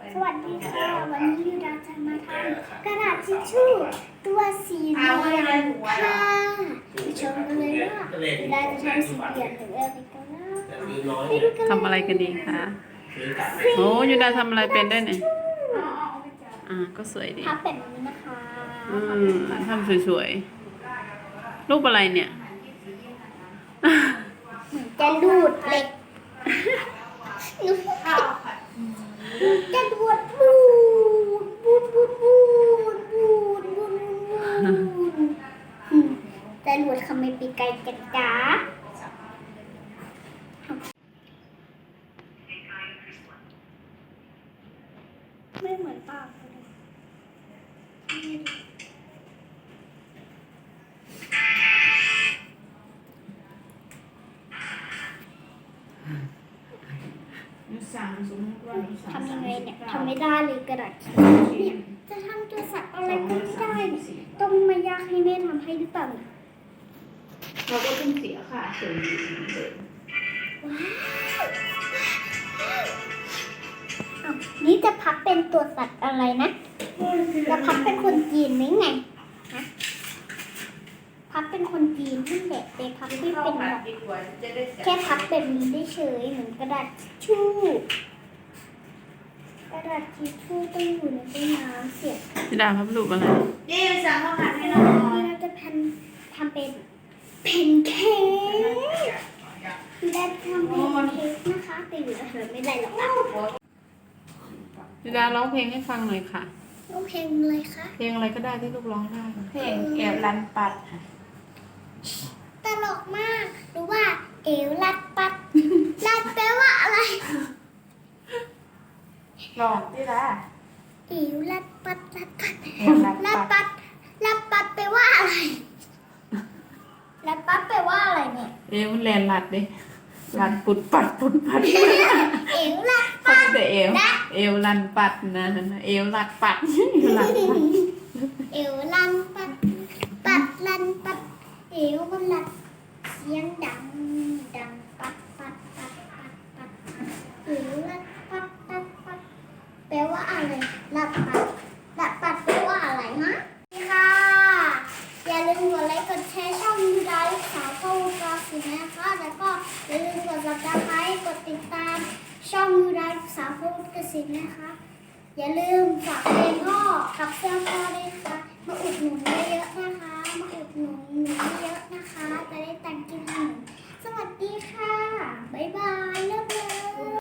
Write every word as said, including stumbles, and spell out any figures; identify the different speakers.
Speaker 1: สวัสดีค่ะวันนี้ยูดาจะมาทำกระดาษทิชชู่ตัวสีเหลืองค่ะไปชมกันเลยว่ายูดาจะทำสีเหลืองหรืออะไรกันนะไปดูกันเลย
Speaker 2: ทำอะไรกันดีคะโอ้ยูดาทำอะไรเป็นด้วยเนี่ยอ่าก็สวยดี
Speaker 1: พับแบบนี้นะคะ
Speaker 2: อืมทำสวยๆรูปอะไรเนี่ย
Speaker 1: จะดูดเหล็กหนูจะดูดบูดบูดบูดบูดบูดบูดบูดจะดูดทำไมปีกไก่จัดจ้าไม่เหมือนปากเลยทำยังไงเนี่ยทำไม่ได้เลยกระดาษเนี่ยจะทำตัวสัตว์อะไรก็ไม่ได้เนี่ยต้องมายากให้แม่ทำให้หรือเปล่าเนี่ย
Speaker 3: เราก็ต้องเสียค่ะเฉยๆเลย
Speaker 1: อ้าวนี่จะพับเป็นตัวสัตว์อะไรนะจะพับเป็นคนจีนไหมไงฮะพับเป็นคนจีนที่แบบแต่พับไม่เป็นหรอกแค่พับแบบนี้ได้เฉยเหมือนกระดาษทิชชู่กระดาษทิชชู่ต้องอยู่ในตู้น้ำเสีย
Speaker 2: ยูดาพับรูปอะไร
Speaker 3: นี่สั่งข้าวผัดให้เราหน่อย
Speaker 1: เราจะพันทำเป็นเพนเค้กและทำเป็นเค้กนะคะแต่อยู่เฉยไม่ได้หรอกนะ
Speaker 2: ยูดาร้องเพลงให้ฟังหน่อยค่ะ
Speaker 1: ลูกเพลงเลยค่ะ
Speaker 2: เพลงอะไรก็ได้ที่ลูกร้องได้
Speaker 3: เพลงแอบรันปัดค่ะ
Speaker 1: ตลกมากรู้ว่าเอวลัดปัด ลัดแปลว่าอะไร
Speaker 3: ลองที่ละ
Speaker 1: เอวลัดปัดลัดปัด
Speaker 3: แอบรัน
Speaker 1: ลัด
Speaker 3: ปัด
Speaker 1: ปัดลัดปัดแปลว่าอะไรลัดปัดแปลว่าอะไรเนี่ย
Speaker 2: เอ๊ะมันแลนหลัดดิหลัดปุดปัดปุดปัด
Speaker 1: เอวลัด
Speaker 2: เขาแต่เอวเอวลันปัดนะเอวลัดปัดเอวลัดปัด
Speaker 1: เอวลันปัดปัดลันปัดเอวมันลัดเสียงดังดังปัดปัดปัดปัดปัดเอวลัดปัดปัดปัดแปลว่าอะไรลัดปัดลัดปัดแปลว่าอะไรฮะค่ะอย่าลืมกดไลค์กดแชร์ช่องยูดาลูกสาวพ่อวูกาสินะคะแล้วก็อย่าลืมกดซับสไครต์กดติดตามช่องยูดาลูกสาวพ่อวูกาสินะคะ อย่าลืมฝากเพลงพ่อกับเสื้อพ่อด้วยค่ะ มาอุดหนุนเยอะๆนะคะ มาอุดหนุนหนูเยอะๆนะคะ จะได้ตังค์กินขนมสวัสดีค่ะ บ๊ายบาย เลิกเลย